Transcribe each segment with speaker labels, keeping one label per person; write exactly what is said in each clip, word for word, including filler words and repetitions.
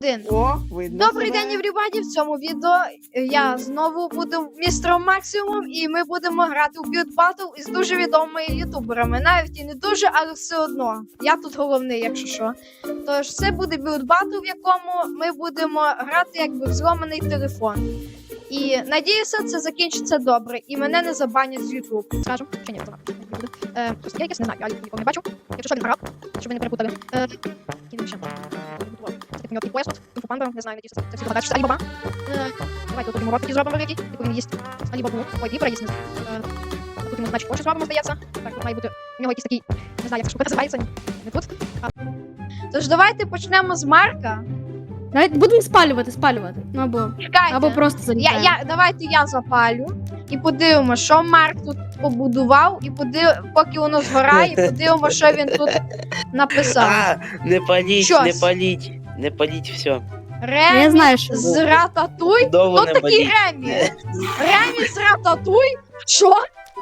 Speaker 1: Один.
Speaker 2: О, видно
Speaker 1: Добрий
Speaker 2: себе.
Speaker 1: день, everybody! В цьому відео я знову буду містером Максимум, і ми будемо грати у Build Battle із дуже відомими ютуберами. Навіть і не дуже, але все одно. Я тут головний, якщо що. Тож це буде Build Battle, в якому ми будемо грати якби в зломаний телефон. І надіюся, це закінчиться добре, і мене не забанять з YouTube. Скажем, чи ні, то буде. Е, просто я якось не знаю, я нікого не бачу. Якщо що, він грав, щоб ви не перепутали. Е, кидемо ще. Це такий пояс тут, інфопанда, не знаю, надіюся, це всі догадають, що це Алібаба. Е, давайте тут йому рот такий зробимо великий, яку він їсть Алібабу. Ой, вібра їсть, не знаю. Е, тут йому, значить, очі зробимо, здається. Так, тут має бути, у нього якийсь такий, не знаю, як ця штука називається, не тут. А. Тож давайте почнемо з Марка.
Speaker 3: Давайте будемо спалювати, спалювати. Ну або,
Speaker 1: Чекайте.
Speaker 3: або просто
Speaker 1: Я,
Speaker 3: залітаємо.
Speaker 1: я, давайте я запалю і подивимося, що Марк тут побудував, і подив... поки воно згорає, і подивимося, що він тут написав.
Speaker 4: А, не паліть,
Speaker 1: Щось.
Speaker 4: не паліть, не паліть, все.
Speaker 1: Ремі
Speaker 3: Я знаю, що
Speaker 1: з Рататуй?
Speaker 4: Довго
Speaker 1: Хто
Speaker 4: не
Speaker 1: такий
Speaker 4: паліть.
Speaker 1: Ремі? Ремі з Рататуй? Що?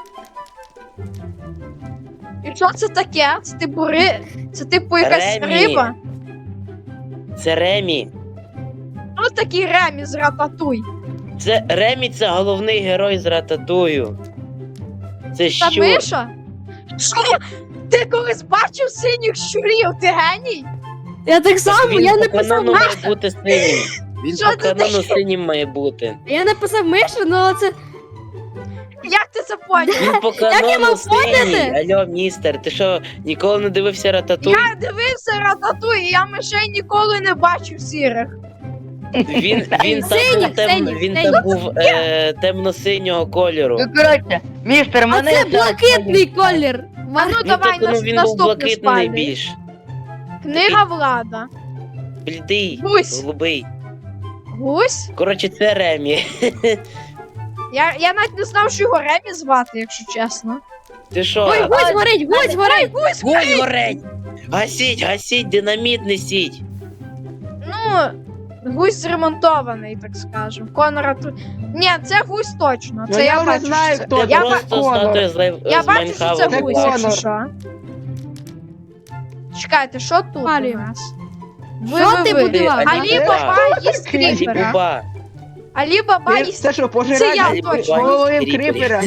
Speaker 1: І що це таке? Це типу ри... Це типу якась
Speaker 4: Ремі.
Speaker 1: риба?
Speaker 4: Це Ремі.
Speaker 1: Хто такий Ремі з Рататуй?
Speaker 4: Це Ремі, це головний герой з Рататую. Це
Speaker 1: Та
Speaker 4: що?
Speaker 1: Миша? Що? Ти колись бачив синіх щурів? Ти геній?
Speaker 3: Я так само,
Speaker 4: Він
Speaker 3: я
Speaker 4: по
Speaker 3: написав
Speaker 4: канону
Speaker 3: Миша.
Speaker 4: має бути синім. Він
Speaker 1: Що
Speaker 4: по
Speaker 1: це
Speaker 4: канону
Speaker 1: таке?
Speaker 4: синім має бути.
Speaker 3: Я написав Миша, але це.
Speaker 1: Як ти це поняв?
Speaker 4: Він по
Speaker 3: я
Speaker 4: канону
Speaker 3: мав
Speaker 4: синій.
Speaker 3: поняти?
Speaker 4: Алло, містер, ти що, ніколи не дивився Рататуй?
Speaker 1: Я дивився Рататуй, і я мишей ніколи не бачив сірих.
Speaker 4: Він, він там
Speaker 3: Синій,
Speaker 4: був, тем...
Speaker 3: синій,
Speaker 4: він
Speaker 3: синій.
Speaker 4: там був е... темно-синього кольору.
Speaker 5: Ну, коротше, містер,
Speaker 3: А
Speaker 5: мене...
Speaker 3: це блакитний колір.
Speaker 1: А ну
Speaker 4: Ну,
Speaker 1: давай
Speaker 4: тобто, ну,
Speaker 1: нас,
Speaker 4: він був
Speaker 1: наступне
Speaker 4: блакитний
Speaker 1: спальне.
Speaker 4: більш.
Speaker 1: Книга Влада.
Speaker 4: Блідий,
Speaker 1: Гусь.
Speaker 4: голубий.
Speaker 1: Гусь?
Speaker 4: Коротше, це Ремі.
Speaker 1: Я, я навіть не знав, що його Ремі звати, якщо чесно.
Speaker 4: Ти що?
Speaker 3: Ой, гусь горить, гусь горить.
Speaker 1: Гусь!
Speaker 4: Гусь горить! Гасіть, гасіть, динаміт несіть.
Speaker 1: Ну, гусь зремонтований, так скажем. Конора тут. Ні, це гусь точно.
Speaker 2: Ну,
Speaker 1: Це
Speaker 2: я
Speaker 1: я
Speaker 2: вже
Speaker 1: бачу.
Speaker 2: знаю,
Speaker 1: що це...
Speaker 2: хто
Speaker 4: Це
Speaker 1: Я,
Speaker 2: це.
Speaker 1: ба...
Speaker 4: просто
Speaker 2: Конор.
Speaker 4: статуя з, Лев...
Speaker 1: я
Speaker 4: з
Speaker 1: бачу, що це
Speaker 4: Майнхавена.
Speaker 1: гусь,
Speaker 2: Конор.
Speaker 1: якщо що. Чекайте, що тут
Speaker 3: Палію.
Speaker 1: у нас? Ви,
Speaker 3: Що
Speaker 1: ви,
Speaker 3: ти
Speaker 1: ви.
Speaker 3: будував?
Speaker 1: Алі Баба їсть кріпера.
Speaker 4: Алібаба.
Speaker 1: Алі Баба
Speaker 2: Ти-
Speaker 1: їсть.
Speaker 2: Це що,
Speaker 1: Це я
Speaker 2: пожирати
Speaker 1: точно.
Speaker 2: голови кріпера?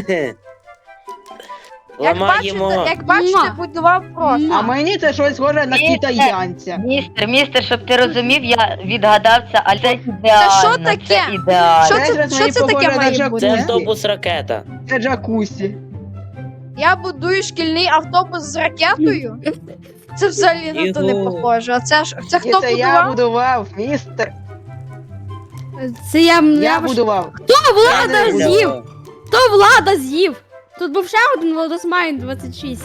Speaker 1: Як
Speaker 4: Ламаємо.
Speaker 1: бачите, як бачите,
Speaker 3: Муа.
Speaker 1: будував просто.
Speaker 2: А мені це щось схоже на
Speaker 5: Ні,
Speaker 2: китаянця.
Speaker 5: Містер, містер, щоб ти розумів, я відгадався, але це ідеально.
Speaker 1: що таке?
Speaker 5: Це ідеально.
Speaker 1: Що
Speaker 2: Це
Speaker 1: це,
Speaker 2: якраз
Speaker 1: що
Speaker 2: мені
Speaker 1: це таке
Speaker 2: похоже на
Speaker 1: має
Speaker 2: Джак-
Speaker 1: бути?
Speaker 4: Це автобус ракета.
Speaker 2: Це джакусі.
Speaker 1: Я будую шкільний автобус з ракетою? Це взагалі на то не
Speaker 4: Його.
Speaker 1: похоже. А це ж це
Speaker 2: І
Speaker 1: хто
Speaker 2: це я
Speaker 1: будував?
Speaker 2: будував, містер.
Speaker 3: Це я.
Speaker 2: Я
Speaker 3: я
Speaker 2: будував.
Speaker 3: Хто влада
Speaker 4: Я не
Speaker 3: з'їв?
Speaker 4: знаю.
Speaker 3: Хто влада з'їв? Тут був ще один Владосмайн двадцять шість.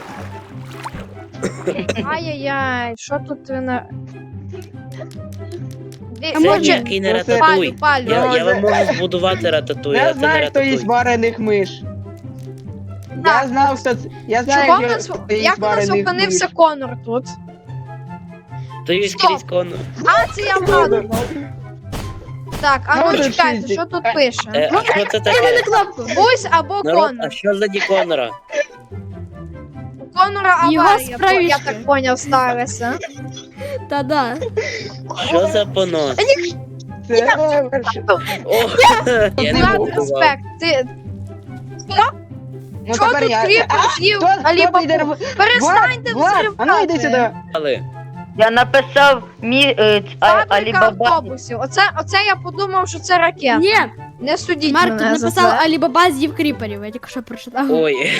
Speaker 1: Ай-яй-яй, що тут ви на. Ді-
Speaker 3: А
Speaker 4: Це
Speaker 3: може-
Speaker 4: ніякий не
Speaker 2: Ну, це-
Speaker 4: рататуй.
Speaker 1: Палю, палю.
Speaker 4: Я, я вам
Speaker 2: Може-
Speaker 4: можу збудувати рататуй,
Speaker 2: Я
Speaker 4: а це не
Speaker 2: знаю, хто їсть
Speaker 4: рататуй.
Speaker 2: варених миш.
Speaker 1: Так.
Speaker 2: Я знав, хто це. Я знаю,
Speaker 1: Чого в
Speaker 2: хто
Speaker 1: нас,
Speaker 2: хто їсть
Speaker 1: як у нас
Speaker 2: варених
Speaker 1: опинився
Speaker 2: миш.
Speaker 1: Конор тут?
Speaker 4: То є
Speaker 1: Стоп.
Speaker 4: скрізь конор.
Speaker 1: А, це я вгадував. Так, а ну
Speaker 2: Конор
Speaker 1: чекайте,
Speaker 2: шістдесят.
Speaker 1: що тут пише?
Speaker 4: Е, а що це
Speaker 3: Дай
Speaker 4: таке?
Speaker 3: мене кнопку.
Speaker 1: Гусь або
Speaker 4: Народ,
Speaker 1: Конор.
Speaker 4: а що за Конора?
Speaker 1: У Конора
Speaker 3: Його
Speaker 1: аварія, бо я
Speaker 3: справішки.
Speaker 1: так поняв, сталося.
Speaker 3: Та-да.
Speaker 4: Що за понос?
Speaker 2: Це перше.
Speaker 4: О, я не
Speaker 1: Влад,
Speaker 4: букував.
Speaker 1: респект. Ти
Speaker 2: Ну
Speaker 1: що
Speaker 2: тепер
Speaker 1: тут
Speaker 2: я.
Speaker 1: кріпер з'їв
Speaker 2: Хто- хто
Speaker 1: Алі
Speaker 2: піде
Speaker 1: Бабу?
Speaker 2: в-
Speaker 1: Перестаньте
Speaker 2: Влад, Влад, а ну йди
Speaker 1: взривати.
Speaker 2: сюди.
Speaker 4: Але
Speaker 5: Я написав мі... е, ц- а-
Speaker 1: Фабрика
Speaker 5: Алібаба.
Speaker 1: автобусів. Оце, оце я подумав, що це ракета.
Speaker 3: Ні,
Speaker 1: Не судіть
Speaker 3: Марк тут
Speaker 1: мене за
Speaker 3: написав
Speaker 1: це.
Speaker 3: Алібаба з'їв кріперів. Я тільки що прочитав.
Speaker 4: ой.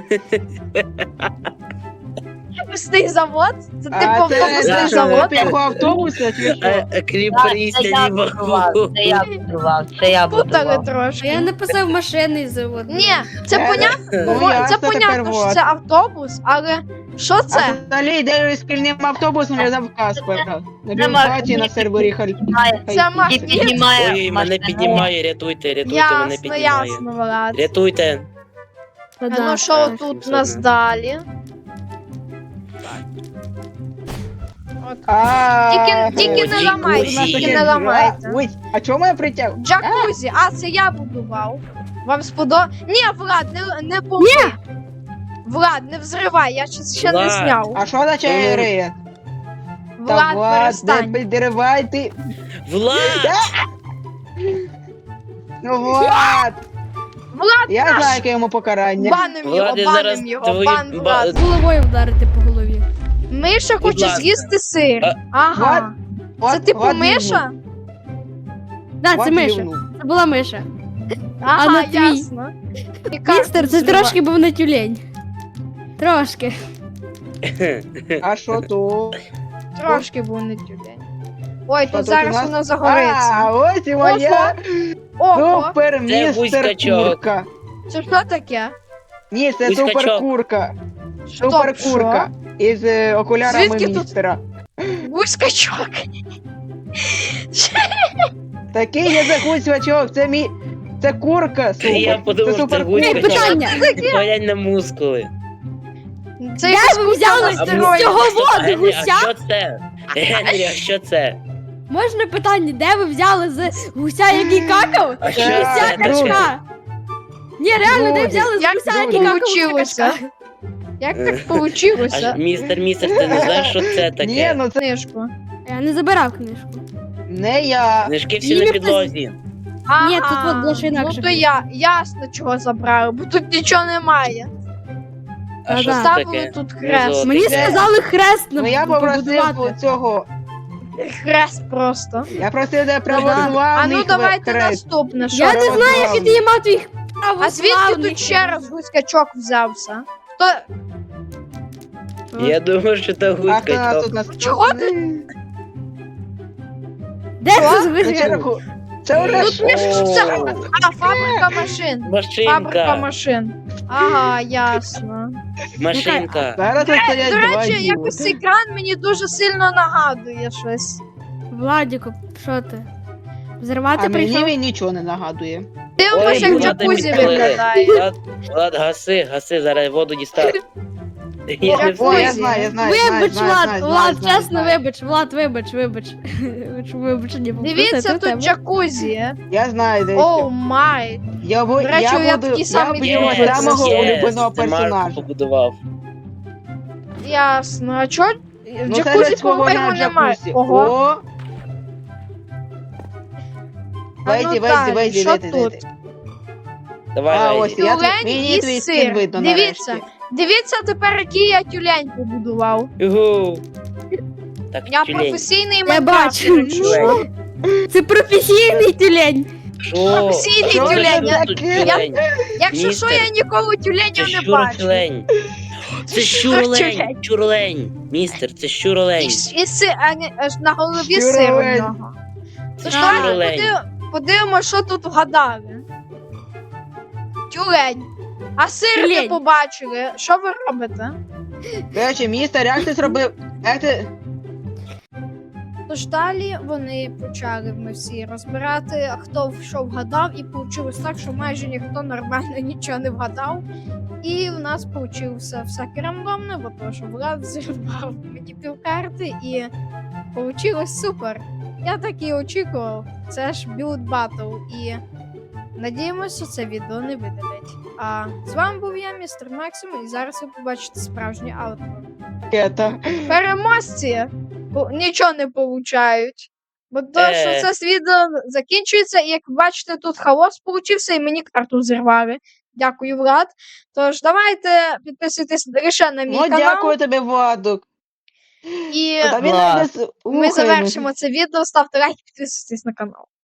Speaker 1: Пустий завод? Це
Speaker 2: А
Speaker 1: типу
Speaker 2: це
Speaker 1: автобусний
Speaker 4: це
Speaker 2: це
Speaker 1: завод?
Speaker 2: що, його автобуса чи що?
Speaker 4: Е,
Speaker 5: Так,
Speaker 4: Кріпер
Speaker 5: це
Speaker 4: їсть
Speaker 5: я будував, це я будував, це я
Speaker 1: Путали
Speaker 5: будував.
Speaker 3: А я
Speaker 1: трошки.
Speaker 3: написав машинний завод.
Speaker 1: Ні, це
Speaker 2: Е,
Speaker 1: понятно,
Speaker 2: Ну, я
Speaker 1: це
Speaker 2: це тепер
Speaker 1: понятно, що
Speaker 2: вот.
Speaker 1: це автобус, але що це?
Speaker 2: А взагалі йде шкільним автобусом, я дав Каспера. На
Speaker 5: Нема-
Speaker 2: бюрократії на сервері Халь.
Speaker 5: Піднімає-
Speaker 1: Це ма-
Speaker 5: І піднімає
Speaker 4: Ой, мене
Speaker 5: машину.
Speaker 4: піднімає, рятуйте, рятуйте, мене
Speaker 1: Ясно,
Speaker 4: піднімає.
Speaker 1: ясно, Влад.
Speaker 4: Рятуйте.
Speaker 1: А
Speaker 3: Та-да.
Speaker 1: ну що
Speaker 4: Так,
Speaker 1: тут
Speaker 4: все
Speaker 1: у нас
Speaker 4: добре.
Speaker 1: далі? От.
Speaker 2: А,
Speaker 1: Тільки- тільки
Speaker 4: не ламайте,
Speaker 1: тільки не ламайте.
Speaker 2: Ой, а чому я притяг?
Speaker 1: Джакузі, а це я будував. Вам сподобалось? Ні, Влад, не, не помни. Влад, не взривай, я ще, ще не
Speaker 4: Влад.
Speaker 1: зняв.
Speaker 2: А що означає рейд?
Speaker 1: Влад,
Speaker 2: Влад, не
Speaker 1: перестань.
Speaker 2: підривай ти.
Speaker 4: Влад!
Speaker 2: Ну, Влад!
Speaker 1: Влад,
Speaker 2: Я знаю, яке йому покарання.
Speaker 1: баним його,
Speaker 4: Влад, я зараз
Speaker 1: баним його,
Speaker 4: твої
Speaker 1: бан
Speaker 4: ба-
Speaker 1: Влад.
Speaker 3: Головою вдарити по голові.
Speaker 1: Миша хоче
Speaker 4: ласка.
Speaker 1: з'їсти сир.
Speaker 4: А-
Speaker 1: Ага.
Speaker 2: Влад,
Speaker 1: Це типу
Speaker 2: Влад
Speaker 1: Миша?
Speaker 3: Да,
Speaker 2: Влад
Speaker 3: це Миша.
Speaker 2: рівнув.
Speaker 3: Це була Миша.
Speaker 1: Ага,
Speaker 3: на твій?
Speaker 1: ясно. І карту
Speaker 3: Містер, це
Speaker 1: зривай.
Speaker 3: трошки був не тюлень. Трошки.
Speaker 2: А що то?
Speaker 1: Трошки був не тюлень. Ой,
Speaker 2: Що
Speaker 1: тут
Speaker 2: тут у
Speaker 1: зараз
Speaker 2: нас?
Speaker 1: воно
Speaker 2: А,
Speaker 1: загориться.
Speaker 2: ось і моя
Speaker 1: Ого,
Speaker 2: супер містер
Speaker 4: гусь-качок.
Speaker 2: курка.
Speaker 1: це що таке?
Speaker 2: Ні, це
Speaker 4: Гусь-качок.
Speaker 2: супер курка.
Speaker 1: Стоп,
Speaker 2: Супер курка. Із е, окулярами
Speaker 1: Звідки тут?
Speaker 2: містера.
Speaker 1: Гусь-качок.
Speaker 2: Такий є за гусь-качок, це мій... Це курка, супер.
Speaker 4: Я подумав,
Speaker 2: це
Speaker 4: що це
Speaker 2: супер
Speaker 4: гусь-качок.
Speaker 3: Ей,
Speaker 2: курка.
Speaker 3: питання.
Speaker 4: Поглянь на мускули.
Speaker 1: Це
Speaker 3: Де
Speaker 1: якась
Speaker 3: ви
Speaker 1: курка
Speaker 3: взяли
Speaker 1: на
Speaker 3: з
Speaker 1: стероїдах.
Speaker 3: цього
Speaker 4: Стоп,
Speaker 3: воду
Speaker 4: Генрі,
Speaker 3: гуся?
Speaker 4: а що це? Генрі, а що це?
Speaker 3: Можна питання, де ви взяли з гуся, який какав?
Speaker 4: А що
Speaker 3: Гуся
Speaker 4: це таке?
Speaker 3: качка. Ні, реально, де
Speaker 2: Люди.
Speaker 3: взяли з
Speaker 1: Як
Speaker 3: гуся,
Speaker 1: це
Speaker 3: який какав
Speaker 1: получилося?
Speaker 3: гуся качка?
Speaker 1: Як так
Speaker 4: А,
Speaker 1: получилося?
Speaker 4: містер, містер, ти не знаєш, що це
Speaker 2: Ні,
Speaker 4: таке?
Speaker 1: ну,
Speaker 2: ну це
Speaker 1: Книжку.
Speaker 3: Я не забирав книжку.
Speaker 2: не я.
Speaker 4: Книжки всі
Speaker 3: Ім'я
Speaker 4: на підлозі.
Speaker 1: Ага.
Speaker 3: Ні, тут от дещо
Speaker 1: Ну
Speaker 3: інакше
Speaker 1: то я ясно чого забрали, бо тут нічого немає.
Speaker 4: А
Speaker 3: Та
Speaker 4: що
Speaker 3: да.
Speaker 4: це
Speaker 1: Ставили
Speaker 4: таке?
Speaker 1: тут
Speaker 4: Не
Speaker 1: хрест.
Speaker 4: золоте.
Speaker 3: Мені
Speaker 2: Де?
Speaker 3: сказали хрест на
Speaker 2: Ну я попросив
Speaker 3: побудувати.
Speaker 2: цього.
Speaker 1: Хрест просто.
Speaker 2: Я просив де
Speaker 1: А
Speaker 2: православний
Speaker 1: ну давайте
Speaker 2: хрест.
Speaker 1: наступне. Що?
Speaker 3: Я не знаю, як ти мав твій
Speaker 1: А звідки
Speaker 3: православний.
Speaker 1: тут ще раз гуськачок взявся? То
Speaker 4: Я думаю, що це
Speaker 2: А хто нас тут
Speaker 4: гусь-качок.
Speaker 2: нас?
Speaker 1: Чого
Speaker 3: Де
Speaker 1: Що?
Speaker 3: це з
Speaker 2: Це
Speaker 3: гуся?
Speaker 2: черку. Це вже
Speaker 1: тут пише, що це.
Speaker 4: О.
Speaker 1: А, фабрика машин. Фабрика
Speaker 4: Машинка.
Speaker 1: машин. Ага, ясно.
Speaker 4: Машинка.
Speaker 2: зараз тут стоять
Speaker 1: До
Speaker 2: два
Speaker 1: речі,
Speaker 2: діла.
Speaker 1: якось цей екран мені дуже сильно нагадує щось.
Speaker 3: Владіку, що ти?
Speaker 2: А
Speaker 3: Взривати
Speaker 2: мені
Speaker 3: прийшов?
Speaker 2: він нічого не нагадує.
Speaker 1: Дивимося,
Speaker 4: Ой,
Speaker 1: як
Speaker 4: Влада
Speaker 1: джакузі
Speaker 4: підпалили.
Speaker 1: виглядає.
Speaker 4: Влад, Влад, гаси, гаси, зараз воду дістав. Я не
Speaker 2: О, я
Speaker 1: Ой,
Speaker 4: встиг.
Speaker 2: знаю, я знаю, знаю,
Speaker 3: Вибач,
Speaker 2: знаю,
Speaker 3: Влад,
Speaker 2: знаю,
Speaker 3: Влад,
Speaker 2: знаю,
Speaker 3: чесно,
Speaker 2: знаю.
Speaker 3: вибач, Влад, вибач, вибач. Вибач, вибачення попросити
Speaker 1: Дивіться,
Speaker 3: в тебе.
Speaker 1: тут джакузі.
Speaker 2: Я знаю, де
Speaker 1: Оу май.
Speaker 2: я, бу-
Speaker 1: До речі,
Speaker 2: я
Speaker 1: я
Speaker 2: буду,
Speaker 1: такий
Speaker 2: я
Speaker 1: самий
Speaker 2: буду
Speaker 1: Єс,
Speaker 2: його самого
Speaker 1: єс,
Speaker 2: улюбленого
Speaker 4: це Марко
Speaker 2: персонажа.
Speaker 4: побудував.
Speaker 1: Ясно. А чо?
Speaker 2: Ну,
Speaker 1: Джакузі,
Speaker 2: це свого
Speaker 1: по-моєму,
Speaker 2: на
Speaker 1: немає.
Speaker 2: джакузі.
Speaker 1: Ого.
Speaker 2: О,
Speaker 1: А
Speaker 2: вийди,
Speaker 1: ну
Speaker 2: вийди,
Speaker 1: далі,
Speaker 2: вийди,
Speaker 1: що
Speaker 2: вийди,
Speaker 1: тут?
Speaker 2: вийди.
Speaker 4: Давай,
Speaker 2: А,
Speaker 4: Вейді.
Speaker 2: ось я тут,
Speaker 1: Тюлень
Speaker 2: мені
Speaker 1: і
Speaker 2: твій
Speaker 1: сир.
Speaker 2: скін видно
Speaker 1: Дивіться.
Speaker 2: нарешті.
Speaker 1: Дивіться тепер, який я тюлень побудував.
Speaker 4: Югу. Так,
Speaker 1: Я
Speaker 4: тюлень.
Speaker 1: професійний
Speaker 3: Я
Speaker 1: майнкрафтер.
Speaker 3: бачу.
Speaker 1: якщо що.
Speaker 3: Це професійний тюлень.
Speaker 4: Що?
Speaker 1: Професійний
Speaker 4: Що
Speaker 1: тюлень.
Speaker 4: це тут
Speaker 2: Я-
Speaker 4: тюлень?
Speaker 1: Якщо
Speaker 4: Містер,
Speaker 1: що, я ніколи
Speaker 4: Це
Speaker 1: тюленів не бачу.
Speaker 4: щуролень. Це
Speaker 1: Щуролень.
Speaker 4: щуролень. Щуролень. Містер, це щуролень.
Speaker 1: І, с- і си, а не, аж на голові
Speaker 2: Щуролень.
Speaker 1: сир у нього. Тож давайте
Speaker 4: Щуролень.
Speaker 1: подив- подивимося, що тут вгадали. Тюлень. А сир не
Speaker 3: Тюлень.
Speaker 1: побачили. Що ви робите?
Speaker 2: До речі, містер, як ти зробив? Як ти...
Speaker 1: Тож далі вони почали ми всі розбирати, хто що вгадав, і вийшло так, що майже ніхто нормально нічого не вгадав. І в нас вийшло всяке рандомне, бо то, що Влад зірвав мені півкарти, і вийшло супер. Я так і очікував. Це ж Build Battle, і надіємося, що це відео не видалять. А з вами був я, містер Максим, і зараз ви побачите справжнє аутро.
Speaker 2: Кета.
Speaker 1: Переможці бо нічого не получають. Бо то,
Speaker 4: Е.
Speaker 1: що це відео закінчується, і як бачите, тут хаос получився, і мені карту зірвали. Дякую, Влад. Тож давайте підписуйтесь лише на мій
Speaker 2: Ну,
Speaker 1: канал.
Speaker 2: дякую тобі, Владок.
Speaker 1: І
Speaker 2: Та він
Speaker 4: Влад.
Speaker 2: не с-
Speaker 1: ми
Speaker 2: Слухай,
Speaker 1: завершимо це відео. Ставте лайк, підписуйтесь на канал.